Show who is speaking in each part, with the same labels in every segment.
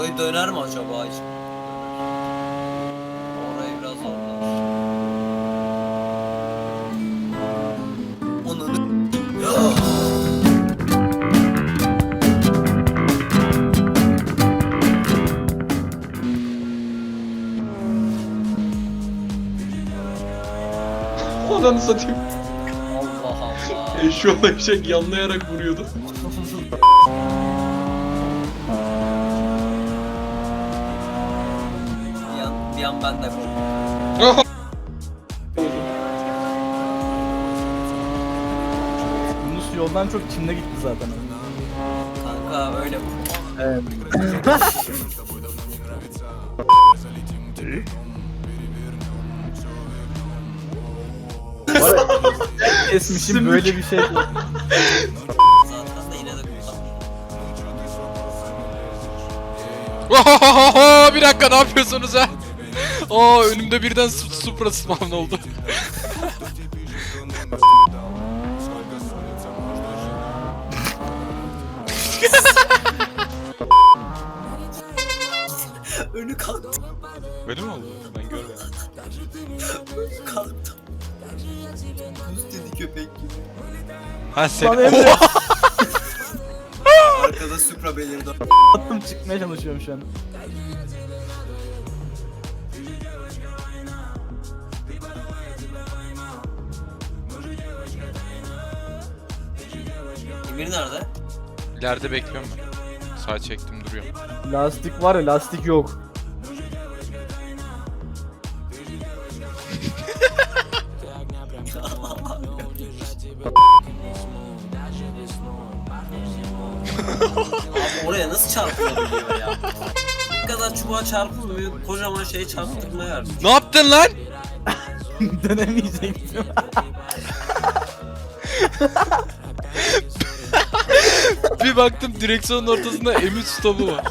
Speaker 1: Orayı döner mi acaba hiç? Orayı biraz zorlar. Onunu...
Speaker 2: Ananı satayım.
Speaker 1: Allah Allah.
Speaker 2: Eşyoğlu eşek yanlayarak vuruyordu.
Speaker 1: bir an ben de korktum.
Speaker 3: Yunus yoldan çok Çin'de gitti zaten.
Speaker 1: Kanka öyle bu.
Speaker 3: Evet. Kesmişim böyle bir şey yok.
Speaker 1: Zaten de yine de kullanmıyorum.
Speaker 4: Bir dakika ne yapıyorsunuz ha? Aa önümde birden Supra spawn oldu.
Speaker 1: Önü kalktı.
Speaker 4: Böyle mi oldu? Ben görmedim.
Speaker 1: Önü kalktı. Üst dedi köpek gibi.
Speaker 4: Ha sen...
Speaker 3: Lan Emre.
Speaker 1: Arkada Supra belirdi.
Speaker 3: Attım çıkmaya çalışıyorum şu an.
Speaker 1: Emir nerede?
Speaker 4: İleride bekliyorum ben. Sağ çektim duruyorum.
Speaker 3: Lastik var ya lastik yok.
Speaker 1: Abi oraya nasıl çarpılabiliyor ya? Bu kadar çubuğa çarpılmıyor, kocaman şeye çarptırmaya var.
Speaker 4: Ne yaptın lan?
Speaker 3: Dönemeyecektim.
Speaker 4: Bir baktım direksiyonun ortasında M3 stopu var.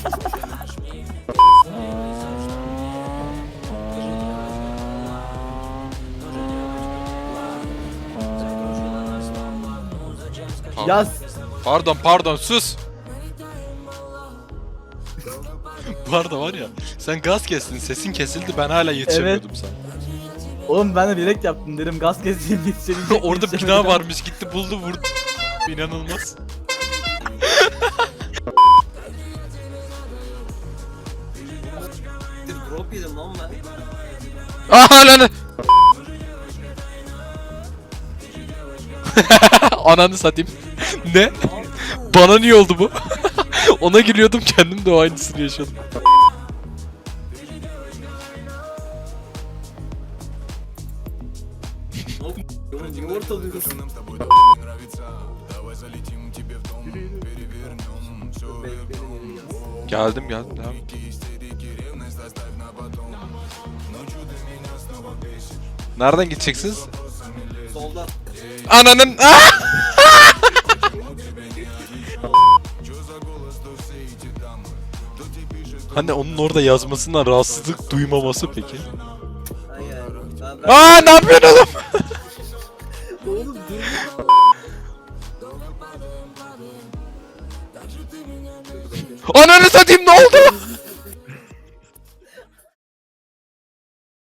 Speaker 3: Yaz.
Speaker 4: Pardon sus. Bu arada var ya sen gaz kestin sesin kesildi ben hala yetişemiyordum sana.
Speaker 3: Oğlum ben de direkt yaptım dedim gaz keseyim yetişebilecek.
Speaker 4: Orada bina varmış gitti buldu vurdu. İnanılmaz.
Speaker 1: Bir drop yedim lan ben.
Speaker 4: Aha lan. Ananı satayım. Ne? Bana niye oldu bu? Ona gülüyordum kendim de o aynısını yaşadım.
Speaker 1: Niye ortalıyorsun?
Speaker 4: Geldim devam. Nereden gideceksiniz?
Speaker 1: Soldan.
Speaker 4: Ananın Hani onun orada yazmasından rahatsızlık duymaması peki?
Speaker 1: Hayır.
Speaker 4: Ne yapıyorsun oğlum?
Speaker 1: Oğlum dur.
Speaker 4: Ananı satayım ne oldu?